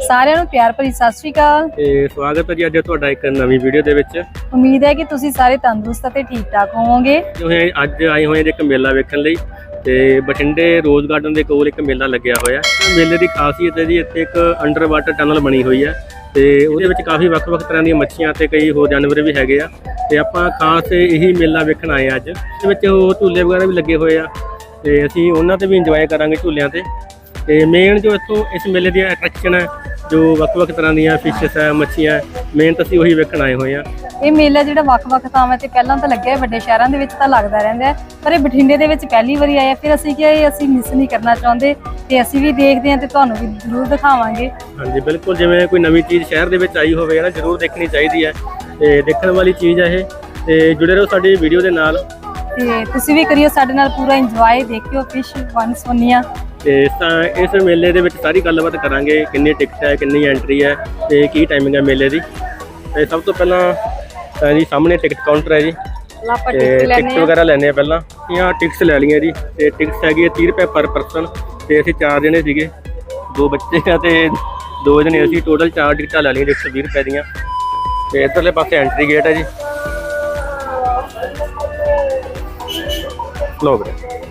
ਸਾਰਿਆਂ ਨੂੰ ਪਿਆਰ ਭਰੀ ਸਤਿ ਸ਼੍ਰੀ ਅਕਾਲ ਤੇ ਸਵਾਗਤ ਹੈ ਜੀ ਅੱਜ ਤੁਹਾਡਾ ਇੱਕ ਨਵੀਂ ਵੀਡੀਓ ਦੇ ਵਿੱਚ। ਉਮੀਦ ਹੈ ਕਿ ਤੁਸੀਂ ਸਾਰੇ ਤੰਦਰੁਸਤ ਅਤੇ ਠੀਕ ਠਾਕ ਹੋਵੋਗੇ। ਜੋ ਹੈ ਅੱਜ ਆਏ ਹੋਏ ਇੱਕ ਮੇਲਾ ਵੇਖਣ ਲਈ ਤੇ ਬਠਿੰਡੇ ਰੋਜ਼ ਗਾਰਡਨ ਦੇ ਕੋਲ ਇੱਕ ਮੇਲਾ ਲੱਗਿਆ ਹੋਇਆ। ਮੇਲੇ ਦੀ ਖਾਸੀਅਤ ਹੈ ਜੀ ਇੱਥੇ ਇੱਕ ਅੰਡਰ ਵਾਟਰ ਟਨਲ ਬਣੀ ਹੋਈ ਹੈ ਤੇ ਉਹਦੇ ਵਿੱਚ ਕਾਫੀ ਵੱਖ-ਵੱਖ ਤਰ੍ਹਾਂ ਦੀਆਂ ਮੱਛੀਆਂ ਤੇ ਕਈ ਹੋਰ ਜਾਨਵਰ ਵੀ ਹੈਗੇ ਆ ਤੇ ਆਪਾਂ ਖਾਸ ਇਹੀ ਮੇਲਾ ਵੇਖਣ ਆਏ ਅੱਜ। ਇਹਦੇ ਵਿੱਚ ਉਹ ਝੂਲੇ ਵਗੈਰਾ ਵੀ ਲੱਗੇ ਹੋਏ ਆ ਤੇ ਅਸੀਂ ਉਹਨਾਂ ਤੇ ਵੀ ਇੰਜੋਏ ਕਰਾਂਗੇ ਝੂਲਿਆਂ ਤੇ ਮੇਨ ਜੋ ਇੱਥੋਂ ਇਸ ਮੇਲੇ ਦੀ ਅਟਰੈਕਸ਼ਨ ਹੈ ਜੋ ਵੱਖ-ਵੱਖ ਤਰ੍ਹਾਂ ਦੀਆਂ ਫਿਸ਼ਸ ਹੈ ਮੱਛੀਆਂ ਮੇਨ ਤਾਂ ਅਸੀਂ ਉਹੀ ਵੇਖਣ ਆਏ ਹੋਏ ਆ। ਇਹ ਮੇਲਾ ਜਿਹੜਾ ਵੱਖ-ਵੱਖ ਥਾਵਾਂ ਤੇ ਪਹਿਲਾਂ ਤਾਂ ਲੱਗਿਆ ਵੱਡੇ ਸ਼ਹਿਰਾਂ ਦੇ ਵਿੱਚ ਤਾਂ ਲੱਗਦਾ ਰਹਿੰਦਾ ਪਰ ਇਹ ਬਠਿੰਡੇ ਦੇ ਵਿੱਚ ਪਹਿਲੀ ਵਾਰੀ ਆਇਆ। ਫਿਰ ਅਸੀਂ ਕਿਹਾ ਇਹ ਅਸੀਂ ਮਿਸ ਨਹੀਂ ਕਰਨਾ ਚਾਹੁੰਦੇ ਤੇ ਅਸੀਂ ਵੀ ਦੇਖਦੇ ਹਾਂ ਤੇ ਤੁਹਾਨੂੰ ਵੀ ਜ਼ਰੂਰ ਦਿਖਾਵਾਂਗੇ। ਹਾਂਜੀ ਬਿਲਕੁਲ, ਜਿਵੇਂ ਕੋਈ ਨਵੀਂ ਚੀਜ਼ ਸ਼ਹਿਰ ਦੇ ਵਿੱਚ ਆਈ ਹੋਵੇ ਨਾ ਜ਼ਰੂਰ ਦੇਖਣੀ ਚਾਹੀਦੀ ਹੈ ਤੇ ਦੇਖਣ ਵਾਲੀ ਚੀਜ਼ ਹੈ ਇਹ। ਤੇ ਜੁੜੇ ਰਹੋ ਸਾਡੀ ਵੀਡੀਓ ਦੇ ਨਾਲ ਤੇ ਤੁਸੀਂ ਵੀ ਕਰਿਓ ਸਾਡੇ ਨਾਲ ਪੂਰਾ ਇੰਜੋਏ, ਦੇਖਿਓ ਫਿਸ਼ ਵਨ ਸੋਨੀਆਂ। ਤੇ ਇਸ ਮੇਲੇ ਦੇ ਵਿੱਚ ਸਾਰੀ ਗੱਲਬਾਤ ਕਰਾਂਗੇ, ਕਿੰਨੀ ਟਿਕਟ ਹੈ, ਕਿੰਨੀ ਐਂਟਰੀ ਹੈ ਤੇ ਕੀ ਟਾਈਮਿੰਗ ਹੈ ਮੇਲੇ ਦੀ। ਤੇ ਸਭ ਤੋਂ ਪਹਿਲਾਂ ਜੀ ਸਾਹਮਣੇ ਟਿਕਟ ਕਾਊਂਟਰ ਹੈ ਜੀ ਤੇ ਟਿਕਟ ਵਗੈਰਾ ਲੈਣੇ ਆ। ਪਹਿਲਾਂ ਇਹ ਟਿਕਟਸ ਲੈ ਲਈਆਂ ਜੀ ਤੇ ਟਿਕਟਸ ਹੈਗੀ ਹੈ 30 ਰੁਪਏ ਪਰ ਪਰਸਨ ਤੇ ਅਸੀਂ 4 ਜਣੇ ਸੀਗੇ, 2 ਬੱਚੇ ਆ ਤੇ 2 ਜਣੇ ਅਸੀਂ। ਟੋਟਲ 4 ਟਿਕਟਾਂ ਲੈ ਲਈਆਂ 120 ਰੁਪਏ ਦੀਆਂ। ਤੇ ਇੱਧਰਲੇ ਪਾਸੇ ਐਂਟਰੀ ਗੇਟ ਹੈ ਜੀ। ਲੋਕ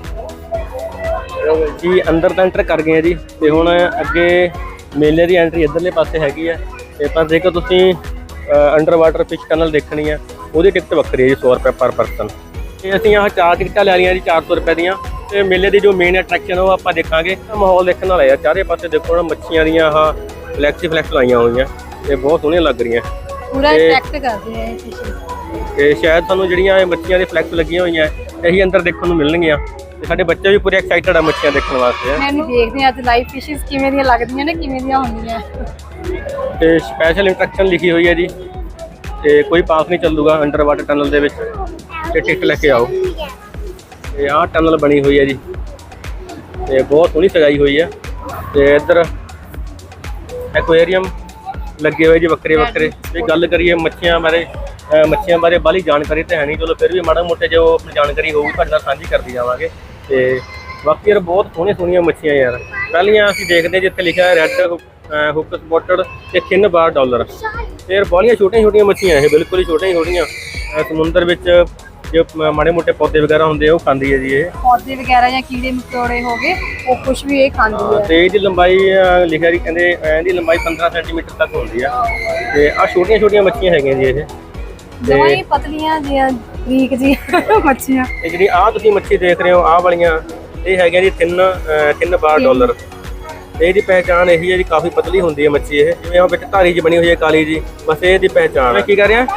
ਜੀ ਅੰਦਰ ਤਾਂ ਐਂਟਰ ਕਰ ਗਏ ਆ ਜੀ ਤੇ ਹੁਣ ਅੱਗੇ ਮੇਲੇ ਦੀ ਐਂਟਰੀ ਇੱਧਰਲੇ ਪਾਸੇ ਹੈਗੀ ਹੈ। ਤੇ ਪਰ ਜੇਕਰ ਤੁਸੀਂ ਅੰਡਰ ਵਾਟਰ ਫਿਸ਼ ਟਨਲ ਦੇਖਣੀ ਹੈ ਉਹਦੀ ਟਿਕਟ ਵੱਖਰੀ ਹੈ ਜੀ, 100 ਰੁਪਏ ਪਰ ਪਰਸਨ। ਤੇ ਅਸੀਂ ਆਹ 4 ਟਿਕਟਾਂ ਲੈ ਲਈਆਂ ਜੀ 400 ਰੁਪਏ ਦੀਆਂ। ਤੇ ਮੇਲੇ ਦੀ ਜੋ ਮੇਨ ਅਟਰੈਕਸ਼ਨ ਉਹ ਆਪਾਂ ਦੇਖਾਂਗੇ। ਮਾਹੌਲ ਦੇਖਣ ਵਾਲਾ ਆ, ਚਾਰੇ ਪਾਸੇ ਦੇਖੋ ਨਾ ਮੱਛੀਆਂ ਦੀਆਂ ਆਹ ਫਲੈਕਸ ਲਾਈਆਂ ਹੋਈਆਂ ਤੇ ਬਹੁਤ ਸੋਹਣੀਆਂ ਲੱਗ ਰਹੀਆਂ, ਪੂਰਾ ਅਟਰੈਕਟ ਕਰਦੇ ਆ ਇਹ ਫਿਸ਼। ਤੇ ਸ਼ਾਇਦ ਸਾਨੂੰ ਜਿਹੜੀਆਂ ਇਹ ਮੱਛੀਆਂ ਦੀ ਫਲੈਕਸ ਲੱਗੀਆਂ ਹੋਈਆਂ ਇਹੀ ਅੰਦਰ ਦੇਖਣ ਨੂੰ ਮਿਲਣਗੀਆਂ ਤੇ ਸਾਡੇ ਬੱਚੇ ਵੀ ਪੂਰੇ ਐਕਸਾਈਟਡ ਆ ਮੱਛੀਆਂ ਦੇਖਣ ਵਾਸਤੇ। ਮੈਨੂੰ ਦੇਖਦੇ ਆ ਅੱਜ ਲਾਈਵ ਫਿਸ਼ਸ ਕਿਵੇਂ ਦੀਆਂ ਲੱਗਦੀਆਂ ਨੇ, ਕਿਵੇਂ ਦੀਆਂ ਹੁੰਦੀਆਂ। ਤੇ ਸਪੈਸ਼ਲ ਇੰਸਟਰਕਸ਼ਨ ਲਿਖੀ ਹੋਈ ਹੈ ਜੀ ਤੇ ਕੋਈ ਪਾਸ ਨਹੀਂ ਚੱਲੂਗਾ ਅੰਡਰ ਵਾਟਰ ਟਨਲ ਦੇ ਵਿੱਚ ਤੇ ਟਿਕਟ ਲੈ ਕੇ ਆਓ। ਤੇ ਆਹ ਟਨਲ ਬਣੀ ਹੋਈ ਹੈ ਜੀ ਤੇ ਬਹੁਤ ਸੋਹਣੀ ਸਜਾਈ ਹੋਈ ਹੈ। ਤੇ ਇੱਧਰ ਐਕੁਆਰੀਅਮ ਲੱਗੇ ਹੋਏ ਜੀ ਵੱਖਰੇ। ਤੇ ਗੱਲ ਕਰੀਏ ਮੱਛੀਆਂ ਬਾਰੇ ਬਾਹਲੀ ਜਾਣਕਾਰੀ ਤਾਂ ਹੈ ਨਹੀਂ, ਚਲੋ ਫਿਰ ਵੀ ਮਾੜਾ ਮੋਟੇ ਜੋ ਆਪਣੀ ਜਾਣਕਾਰੀ ਹੋਊਗੀ ਤੁਹਾਡੇ ਨਾਲ ਸਾਂਝੀ ਕਰਦੀ ਜਾਵਾਂਗੇ। ਤੇ ਬਾਕੀ ਯਾਰ ਬਹੁਤ ਸੋਹਣੀਆਂ ਮੱਛੀਆਂ ਯਾਰ। ਪਹਿਲੀਆਂ ਅਸੀਂ ਦੇਖਦੇ ਜਿੱਥੇ ਲਿਖਿਆ ਰੈੱਡ ਹੁੱਕ ਸਪੋਟਡ ਤੇ $3 ਬਾਰ। ਫਿਰ ਬਾਹਲੀਆਂ ਛੋਟੀਆਂ ਮੱਛੀਆਂ ਇਹ, ਬਿਲਕੁਲ ਹੀ ਛੋਟੀਆਂ ਸਮੁੰਦਰ ਵਿੱਚ ਜੋ ਮਾੜੇ ਮੋਟੇ ਪੌਦੇ ਵਗੈਰਾ ਹੁੰਦੇ ਆ ਉਹ ਖਾਂਦੀ ਹੈ ਜੀ। ਇਹ ਪੌਦੇ ਵਗੈਰਾ ਜਾਂ ਕੀੜੇ ਮਕੌੜੇ ਹੋ ਗਏ ਉਹ ਕੁਝ ਵੀ ਇਹ ਖਾਂਦੀ ਹੈ। ਤੇ ਇਹਦੀ ਲੰਬਾਈ ਲਿਖਿਆ ਜੀ ਕਹਿੰਦੇ ਇਹਦੀ ਲੰਬਾਈ 15 ਸੈਂਟੀਮੀਟਰ ਤੱਕ ਹੁੰਦੀ ਆ। ਤੇ ਆਹ ਛੋਟੀਆਂ ਮੱਛੀਆਂ ਹੈਗੀਆਂ ਜੀ ਇਹ, ਦੋਵੇਂ ਪਤਲੀਆਂ ਜਿਹੀਆਂ ਬਰੀਕ ਜੀ ਮੱਛੀਆਂ। ਤੇ ਜਿਹੜੀ ਆਹ ਤੁਸੀਂ ਮੱਛੀ ਦੇਖ ਰਹੇ ਹੋ ਆਹ ਵਾਲੀਆਂ ਇਹ ਹੈਗੀਆਂ ਜੀ $3 ਬਾਰ। ਤੇ ਇਹਦੀ ਪਹਿਚਾਣ ਇਹੀ ਹੈ ਜੀ, ਕਾਫੀ ਪਤਲੀ ਹੁੰਦੀ ਹੈ ਮੱਛੀ ਇਹ, ਜਿਵੇਂ ਉਹ ਵਿੱਚ ਧਾਰੀ ਜੀ ਬਣੀ ਹੋਈ ਹੈ ਕਾਲੀ ਜੀ, ਬਸ ਇਹਦੀ ਪਹਿਚਾਣ ਹੈ। ਕੀ ਕਰ ਰਿਹਾ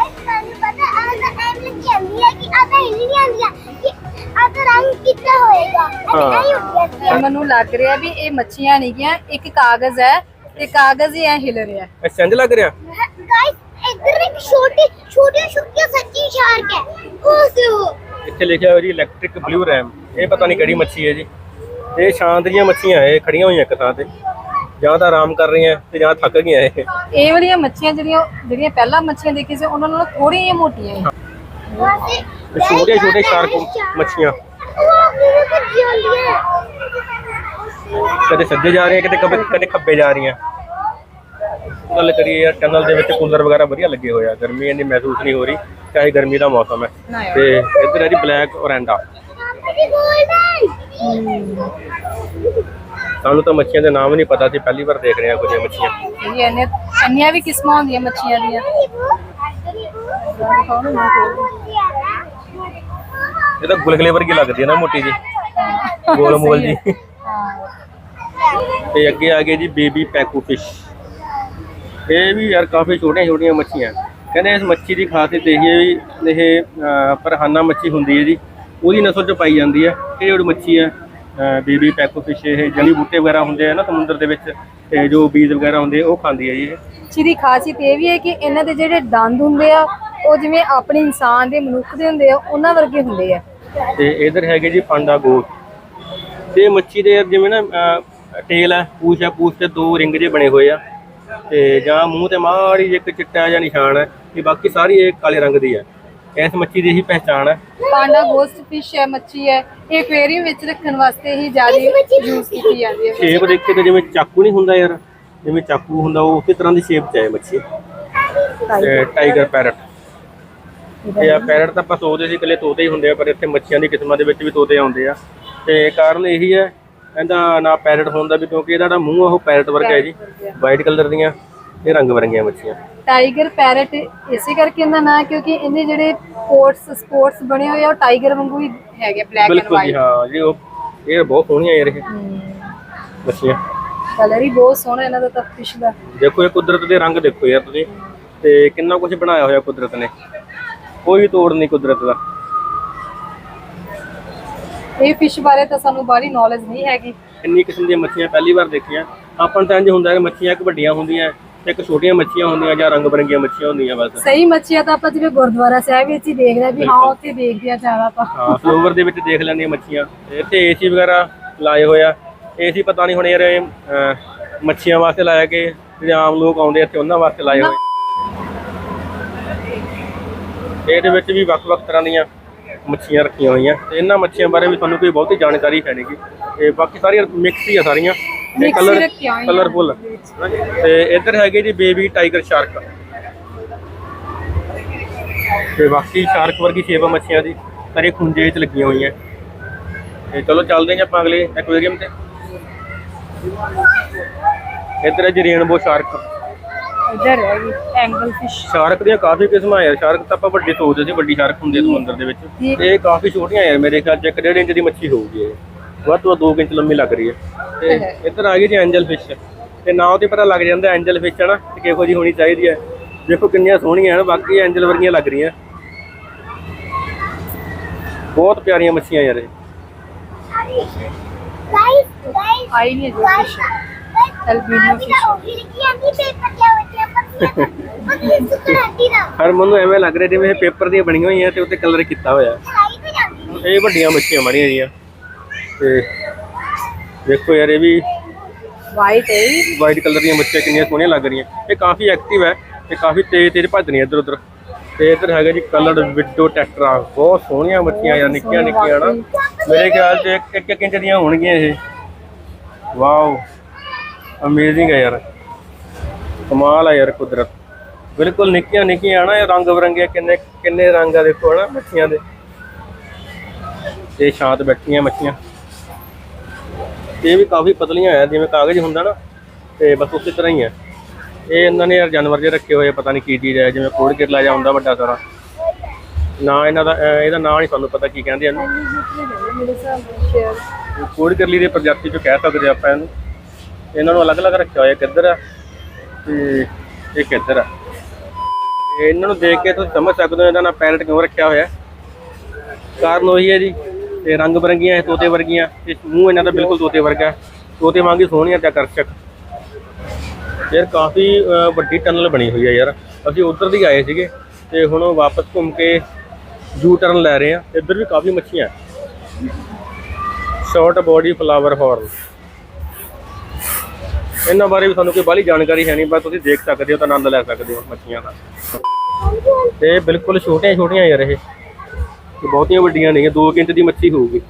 ਮੈਨੂੰ ਲੱਗ ਰਿਹਾ ਵੀ ਇਹ ਮੱਛੀਆਂ ਨਹੀਂ ਗਿਆ, ਇੱਕ ਕਾਗਜ਼ ਹੈ ਤੇ ਕਾਗਜ਼ ਹੀ ਐ ਹਿਲ ਰਿਹਾ। ਅੱਛਾ ਇੰਜ ਲੱਗ ਰਿਹਾ ਇੱਧਰ ਇੱਕ ਛੋਟੀ ਸੱਚੀ ਸ਼ਾਰਕ ਹੈ ਉਹ। ਇੱਥੇ ਲਿਖਿਆ ਹੋਇਆ ਜੀ ਇਲੈਕਟ੍ਰਿਕ ਬਲੂ ਰੈਮ। ਇਹ ਪਤਾ ਨਹੀਂ ਕਿਹੜੀ ਮੱਛੀ ਹੈ ਜੀ। ਇਹ ਸ਼ਾਂਤ ਦੀਆਂ ਮੱਛੀਆਂ ਇਹ ਖੜੀਆਂ ਹੋਈਆਂ ਇੱਕ ਥਾਂ ਤੇ, ਜਾਂ ਤਾਂ ਆਰਾਮ ਕਰ ਰਹੀਆਂ ਤੇ ਜਾਂ ਥੱਕ ਗਈਆਂ। ਇਹ ਵਾਲੀਆਂ ਮੱਛੀਆਂ ਜਿਹੜੀਆਂ ਪਹਿਲਾਂ ਮੱਛੀਆਂ ਦੇਖੀ ਸੀ ਉਹਨਾਂ ਨਾਲੋਂ ਥੋੜੀਆਂ ਜਿਹੀਆਂ ਮੋਟੀਆਂ ਹੈ। ਛੋਟੇ ਸ਼ਾਰਕ ਮੱਛੀਆਂ ਕਦੇ ਸੱਜੇ ਜਾ ਰਹੀਆਂ ਕਦੇ ਖੱਬੇ ਜਾ ਰਹੀਆਂ। ਗੱਲ ਕਰੀਏ ਯਾਰ ਟਨਲ ਦੇ ਵਿੱਚ ਕੂਲਰ ਵਗੈਰਾ ਵਧੀਆ ਲੱਗੇ ਹੋਏ ਆ, ਗਰਮੀ ਇੰਨੀ ਮਹਿਸੂਸ ਨਹੀਂ ਹੋ ਰਹੀ ਚਾਹੇ ਗਰਮੀ ਦਾ ਮੌਸਮ ਹੈ। ਤੇ ਇੱਧਰ ਹੈ ਜੀ ਬਲੈਕ ਔਰੈਂਡਾ। ਸਾਨੂੰ ਤਾਂ ਮੱਛੀਆਂ ਦੇ ਨਾਮ ਨਹੀਂ ਪਤਾ ਸੀ, ਪਹਿਲੀ ਵਾਰ ਦੇਖ ਰਹੇ ਹਾਂ ਕੁਝ ਮੱਛੀਆਂ। ਇੰਨੀਆਂ ਵੀ ਕਿਸਮਾਂ ਹੁੰਦੀਆਂ ਮੱਛੀਆਂ ਦੀਆਂ। ਇਹ ਤਾਂ ਗੁਲਗਲੇ ਵਰਗੀ ਲੱਗਦੀ ਹੈ ਨਾ, ਮੋਟੀ ਜੀ ਗੋਲ ਮੋਲ ਜੀ। ਤੇ ਅੱਗੇ ਆ ਗਏ ਜੀ ਬੇਬੀ ਪੈਕੂ ਫਿਸ਼। ਇਹ ਵੀ ਯਾਰ ਕਾਫੀ ਛੋਟੀਆਂ ਮੱਛੀਆਂ। ਕਹਿੰਦੇ ਇਸ ਮੱਛੀ ਦੀ ਖਾਸੀਅਤ ਇਹ ਹੈ ਵੀ ਇਹ ਪਰਹਾਨਾ ਮੱਛੀ ਹੁੰਦੀ ਹੈ ਜੀ, ਉਹਦੀ ਨਸਲ 'ਚ ਪਾਈ ਜਾਂਦੀ ਹੈ। ਇਹ ਜਿਹੜੀ ਮੱਛੀ ਹੈ ਬੇਬੀ ਪੈਕੂ ਫਿਸ਼, ਇਹ ਜੜੀ ਬੂਟੇ ਵਗੈਰਾ ਹੁੰਦੇ ਆ ਨਾ ਸਮੁੰਦਰ ਦੇ ਵਿੱਚ, ਤੇ ਜੋ ਬੀਜ ਵਗੈਰਾ ਹੁੰਦੇ ਉਹ ਖਾਂਦੀ ਹੈ ਜੀ ਇਹ। ਮੱਛੀ ਦੀ ਖਾਸੀਅਤ ਇਹ ਵੀ ਹੈ ਕਿ ਇਹਨਾਂ ਦੇ ਜਿਹੜੇ ਦੰਦ ਹੁੰਦੇ ਆ ਉਹ ਜਿਵੇਂ ਆਪਣੇ ਇਨਸਾਨ ਦੇ ਮਨੁੱਖ ਦੇ ਹੁੰਦੇ ਆ ਉਹਨਾਂ ਵਰਗੇ ਹੁੰਦੇ ਆ। ਤੇ ਇਧਰ ਹੈਗੇ ਜੀ ਪਾਂਡਾ ਗੋਟ। ਤੇ ਮੱਛੀ ਦੇ ਜਿਵੇਂ ਨਾ ਟੇਲ ਹੈ, ਪੂਛ ਤੇ 2 ਰਿੰਗ ਜਿਹੇ ਬਣੇ ਹੋਏ ਆ ਤੇ ਜਾਂ ਮੂੰਹ ਤੇ ਮਾੜੀ ਜਿਹੀ ਇੱਕ ਚਿੱਟਾ ਜਿਹਾ ਨਿਸ਼ਾਨ ਹੈ ਤੇ ਬਾਕੀ ਸਾਰੀ ਇਹ ਕਾਲੇ ਰੰਗ ਦੀ ਹੈ। ਇਸ ਮੱਛੀ ਦੀ ਇਹੀ ਪਹਿਚਾਣ ਹੈ। ਪਾਂਡਾ ਗੋਸਟ ਫਿਸ਼ ਹੈ, ਮੱਛੀ ਹੈ, ਇਹ ਐਕੁਆਰੀਅਮ ਵਿੱਚ ਰੱਖਣ ਵਾਸਤੇ ਹੀ ਜ਼ਿਆਦਾ ਯੂਜ਼ ਕੀਤੀ ਜਾਂਦੀ ਹੈ। ਸ਼ੇਪ ਦੇਖ ਕੇ ਤਾਂ ਜਿਵੇਂ ਚਾਕੂ ਨਹੀਂ ਹੁੰਦਾ ਯਾਰ, ਜਿਵੇਂ ਚਾਕੂ ਹੁੰਦਾ ਉਹ ਉਸੇ ਤਰ੍ਹਾਂ ਦੀ ਸ਼ੇਪ 'ਚ ਹੈ ਮੱਛੀ। ਤੇ ਟਾਈਗਰ ਪੈਰਟ, ਇਹ ਆ ਪੈਰਟ ਤਾਂ ਆਪਾਂ ਸੋਚਦੇ ਸੀ ਇਕੱਲੇ ਤੋਤੇ ਹੀ ਹੁੰਦੇ ਆ, ਪਰ ਇੱਥੇ ਮੱਛੀਆਂ ਦੀ ਕਿਸਮਾਂ ਦੇ ਵਿੱਚ ਵੀ ਤੋਤੇ ਆਉਂਦੇ ਆ। ਤੇ ਕਾਰਨ ਇਹੀ ਹੈ ਇਹਦਾ ਨਾਂ ਪੈਰਟ ਹੋਣ ਦਾ ਵੀ, ਕਿਉਂਕਿ ਇਹਦਾ ਜਿਹੜਾ ਮੂੰਹ ਆ ਉਹ ਪੈਰਟ ਵਰਗਾ ਹੈ ਜੀ, ਵਾਈਟ ਕਲਰ ਦੀਆਂ ਇਹ ਰੰਗ ਬਰੰਗੀਆਂ ਮੱਛੀਆਂ। ਟਾਈਗਰ ਪੈਰਟ ਇਸੇ ਕਰਕੇ ਇਹਦਾ ਨਾਂ, ਕਿਉਂਕਿ ਇਹਦੇ ਜਿਹੜੇ ਸਪੋਰਟਸ ਬਣੇ ਹੋਏ ਆ ਉਹ ਟਾਈਗਰ ਵਾਂਗੂ ਹੀ ਹੈਗੇ, ਬਲੈਕ ਐਂਡ ਬਿਲਕੁਲ ਜੀ, ਵਾਈਟ। ਹਾਂ ਜੀ, ਉਹ ਇਹ ਬਹੁਤ ਸੋਹਣੀਆਂ ਯਾਰ ਇਹ ਮੱਛੀਆਂ। ਕਲਰ ਹੀ ਬਹੁਤ ਸੋਹਣਾ ਇਹਨਾਂ ਦਾ ਤਾਂ ਫਿਸ਼ ਦਾ। ਦੇਖੋ ਇਹ ਕੁਦਰਤ ਦੇ ਰੰਗ ਦੇਖੋ ਯਾਰ ਤੁਸੀਂ, ਤੇ ਕਿੰਨਾ ਕੁਝ ਬਣਾਇਆ ਹੋਇਆ ਕੁਦਰਤ ਨੇ, ਕੋਈ ਤੋੜ ਨਹੀਂ ਕੁਦਰਤ ਦਾ। ਇਹ ਫਿਸ਼ ਬਾਰੇ ਤਾਂ ਸਾਨੂੰ ਬਾਹਲੀ ਨੌਲੇਜ ਨਹੀਂ ਹੈਗੀ। ਇੰਨੀ ਕਿਸਮ ਦੀਆਂ ਮੱਛੀਆਂ ਪਹਿਲੀ ਵਾਰ ਦੇਖੀਆਂ ਆਪਾਂ ਤਾਂ। ਇੰਝ ਹੁੰਦਾ ਕਿ ਮੱਛੀਆਂ ਇੱਕ ਵੱਡੀਆਂ ਹੁੰਦੀਆਂ ਤੇ ਇੱਕ ਛੋਟੀਆਂ ਮੱਛੀਆਂ ਹੁੰਦੀਆਂ ਜਾਂ ਰੰਗ ਬਰੰਗੀਆਂ ਮੱਛੀਆਂ ਹੁੰਦੀਆਂ ਬਸ। ਸਹੀ ਮੱਛੀਆਂ ਤਾਂ ਆਪਾਂ ਜਿਵੇਂ ਗੁਰਦੁਆਰਾ ਸਾਹਿਬ ਵਿੱਚ ਹੀ ਦੇਖਦੇ ਆ ਵੀ ਹਾਂ ਉੱਥੇ ਦੇਖਦੇ ਆ ਜ਼ਿਆਦਾ ਤਾਂ। ਹਾਂ ਫਲੋਵਰ ਦੇ ਵਿੱਚ ਦੇਖ ਲੈਂਦੀਆਂ ਮੱਛੀਆਂ। ਇੱਥੇ ਏਸੀ ਵਗੈਰਾ ਲਾਏ ਹੋਇਆ, ਏਸੀ ਪਤਾ ਨਹੀਂ ਹੁਣ ਯਾਰ ਇਹ ਮੱਛੀਆਂ ਵਾਸਤੇ ਲਾਇਆ ਕਿ ਜਿਹੜੇ ਆਮ ਲੋਕ ਆਉਂਦੇ ਇੱਥੇ ਉਹਨਾਂ ਵਾਸਤੇ ਲਾਏ ਹੋਏ। ਇਹਦੇ ਵਿੱਚ ਵੀ ਵੱਖ-ਵੱਖ ਤਰ੍ਹਾਂ ਦੀਆਂ ਮੱਛੀਆਂ ਰੱਖੀਆਂ ਹੋਈਆਂ ਤੇ ਇਹਨਾਂ ਮੱਛੀਆਂ ਬਾਰੇ ਵੀ ਤੁਹਾਨੂੰ ਕੋਈ ਬਹੁਤੀ ਜਾਣਕਾਰੀ ਹੈ ਨਹੀਂ, ਤੇ ਬਾਕੀ ਸਾਰੀਆਂ ਮਿਕਸ ਹੀ ਆ ਸਾਰੀਆਂ, ਤੇ ਕਲਰਫੁੱਲ। ਤੇ ਇੱਧਰ ਹੈਗੇ ਜੀ ਬੇਬੀ ਟਾਈਗਰ ਸ਼ਾਰਕ, ਤੇ ਬਾਕੀ ਸ਼ਾਰਕ ਵਰਗੀ ਸ਼ੇਪ ਆ ਮੱਛੀਆਂ ਦੀ, ਸਾਰੇ ਖੁੰਝੇ 'ਚ ਲੱਗੀਆਂ ਹੋਈਆਂ। ਤੇ ਚਲੋ ਚੱਲਦੇ ਹਾਂ ਆਪਾਂ ਅਗਲੇ ਐਕੁਆਰੀਅਮ ਤੇ। ਇੱਧਰ ਹੈ ਜੀ ਰੇਨਬੋ ਸ਼ਾਰਕ। ਇੱਧਰ ਹੈ ਜੀ ਐਂਗਲ ਫਿਸ਼। ਸ਼ਾਰਕ ਦੀਆਂ ਕਾਫੀ ਕਿਸਮਾਂ ਯਾਰ। ਸ਼ਾਰਕ ਤਾਂ ਆਪਾਂ ਵੱਡੀ ਸੋਚਦੇ ਸੀ, ਵੱਡੀ ਸ਼ਾਰਕ ਹੁੰਦੀ ਸਮੁੰਦਰ ਦੇ ਵਿੱਚ, ਇਹ ਕਾਫੀ ਛੋਟੀਆਂ ਯਾਰ। ਮੇਰੇ ਖਿਆਲ 'ਚ 1.5 ਇੰਚ ਦੀ ਮੱਛੀ ਹੋਊਗੀ ਇਹ, ਵੱਧ ਤੋਂ ਵੱਧ 2 ਇੰਚ ਲੰਮੀ ਲੱਗ ਰਹੀ ਹੈ। ਤੇ ਇੱਧਰ ਆ ਗਈ ਜੀ ਐਂਜਲ ਫਿਸ਼, ਤੇ ਨਾਂ ਤੇ ਪਤਾ ਲੱਗ ਜਾਂਦਾ ਐਂਜਲ ਫਿਸ਼ ਹੈ ਨਾ, ਤੇ ਕਿਹੋ ਜਿਹੀ ਹੋਣੀ ਚਾਹੀਦੀ ਹੈ। ਦੇਖੋ ਕਿੰਨੀਆਂ ਸੋਹਣੀਆਂ ਹਨ, ਬਾਕੀ ਐਂਜਲ ਵਰਗੀਆਂ ਲੱਗ ਰਹੀਆਂ, ਬਹੁਤ ਪਿਆਰੀਆਂ ਮੱਛੀਆਂ ਯਾਰ ਇਹ। ਆਈ ਨਹੀਂ ਜੋ ਫਿਸ਼ ਐਲਬੀਨੋ ਫਿਸ਼। ਹਰ ਮੈਨੂੰ ਐਵੇਂ ਲੱਗ ਰਿਹਾ ਜਿਵੇਂ ਇਹ ਪੇਪਰ ਦੀਆਂ ਬਣੀਆਂ ਹੋਈਆਂ ਤੇ ਉੱਤੇ ਕਲਰ ਕੀਤਾ ਹੋਇਆ। ਇਹ ਵੱਡੀਆਂ ਮੱਛੀਆਂ ਮਾਰੀਆਂ ਜੀਆਂ, ਤੇ ਦੇਖੋ ਯਾਰ ਇਹ ਵੀ ਵਾਈਟ ਕਲਰ ਦੀਆਂ ਮੱਛੀਆਂ ਕਿੰਨੀਆਂ ਸੋਹਣੀਆਂ ਲੱਗ ਰਹੀਆਂ। ਇਹ ਕਾਫੀ ਐਕਟਿਵ ਹੈ ਤੇ ਕਾਫੀ ਤੇਜ਼ ਭੱਜਦੀਆਂ ਇੱਧਰ ਉੱਧਰ। ਤੇ ਇੱਧਰ ਹੈਗਾ ਜੀ ਕਲਰਡ ਵਿਡੋ ਟੈਟਰਾ, ਬਹੁਤ ਸੋਹਣੀਆਂ ਮੱਛੀਆਂ ਯਾਰ, ਨਿੱਕੀਆਂ ਨਿੱਕੀਆਂ ਨਾ। ਮੇਰੇ ਖਿਆਲ 'ਚ 1 ਇੰਚ ਦੀਆਂ ਹੋਣਗੀਆਂ ਇਹ। ਵਾਓ ਅਮੇਜ਼ਿੰਗ ਹੈ ਯਾਰ, ਕਮਾਲ ਹੈ ਯਾਰ ਕੁਦਰਤ। ਬਿਲਕੁਲ ਨਿੱਕੀਆਂ ਨਿੱਕੀਆਂ ਨਾ, ਇਹ ਰੰਗ ਬਰੰਗੀਆਂ, ਕਿੰਨੇ ਰੰਗ ਆ ਦੇਖੋ ਨਾ ਮੱਛੀਆਂ ਦੇ। ਤੇ ਸ਼ਾਂਤ ਬੈਠੀਆਂ ਮੱਛੀਆਂ, ਇਹ ਵੀ ਕਾਫੀ ਪਤਲੀਆਂ ਆ, ਜਿਵੇਂ ਕਾਗਜ਼ ਹੁੰਦਾ ਨਾ, ਤੇ ਬਸ ਉਸੇ ਤਰ੍ਹਾਂ ਹੀ ਹੈ। ਇਹ ਇਹਨਾਂ ਨੇ ਯਾਰ ਜਾਨਵਰ ਜੇ ਰੱਖੇ ਹੋਏ, ਪਤਾ ਨਹੀਂ ਕੀ ਚੀਜ਼ ਹੈ, ਜਿਵੇਂ ਕੋੜ ਕਿਰਲਾ ਜਿਹਾ ਹੁੰਦਾ ਵੱਡਾ ਸਾਰਾ। ਨਾ ਇਹਨਾਂ ਦਾ, ਇਹਦਾ ਨਾਂ ਨਹੀਂ ਸਾਨੂੰ ਪਤਾ ਕੀ ਕਹਿੰਦੇ ਇਹਨੂੰ। ਕੋੜ ਕਿਰਲੀ ਦੇ ਪ੍ਰਜਾਤੀ 'ਚੋਂ ਕਹਿ ਸਕਦੇ ਆਪਾਂ ਇਹਨੂੰ। ਇਹਨਾਂ ਨੂੰ ਅਲੱਗ-ਅਲੱਗ ਰੱਖਿਆ ਹੋਇਆ, ਕਿੱਧਰ ਆ ਤੇ ਇਹ ਕਿੱਧਰ ਆ। ਇਹਨਾਂ ਨੂੰ ਦੇਖ ਕੇ ਤੁਸੀਂ ਸਮਝ ਸਕਦੇ ਹੋ ਇਹਦਾ ਨਾਂ ਪੈਰਟ ਕਿਉਂ ਰੱਖਿਆ ਹੋਇਆ। ਕਾਰਨ ਉਹੀ ਹੈ ਜੀ, ਤੇ ਰੰਗ ਬਰੰਗੀਆਂ ਇਹ ਤੋਤੇ ਵਰਗੀਆਂ, ਤੇ ਮੂੰਹ ਇਹਨਾਂ ਦਾ ਬਿਲਕੁਲ ਤੋਤੇ ਵਰਗਾ, ਤੋਤੇ ਵਾਂਗ ਹੀ ਸੋਹਣੀਆਂ ਤੇ ਆਕਰਸ਼ਕ। ਯਾਰ ਕਾਫੀ ਵੱਡੀ ਟਨਲ ਬਣੀ ਹੋਈ ਹੈ ਯਾਰ। ਅਸੀਂ ਉੱਧਰ ਦੀ ਆਏ ਸੀਗੇ ਤੇ ਹੁਣ ਵਾਪਸ ਘੁੰਮ ਕੇ ਯੂ ਟਰਨ ਲੈ ਰਹੇ ਆ। ਇੱਧਰ ਵੀ ਕਾਫੀ ਮੱਛੀਆਂ, ਸ਼ਾਰਟ ਬੋਡੀ ਫਲਾਵਰ ਹੌਰਨ। ਇਹਨਾਂ ਬਾਰੇ ਵੀ ਸਾਨੂੰ ਕੋਈ ਬਾਹਲੀ ਜਾਣਕਾਰੀ ਹੈ ਨਹੀਂ, ਬਸ ਤੁਸੀਂ ਦੇਖ ਸਕਦੇ ਹੋ ਤਾਂ ਆਨੰਦ ਲੈ ਸਕਦੇ ਹੋ ਮੱਛੀਆਂ ਦਾ। ਤੇ ਬਿਲਕੁਲ ਛੋਟੀਆਂ ਛੋਟੀਆਂ ਯਾਰ, ਇਹ ਬਹੁਤੀਆਂ ਵੱਡੀਆਂ ਨਹੀਂ, 2 ਇੰਚ ਦੀ ਮੱਛੀ ਹੋਊਗੀ।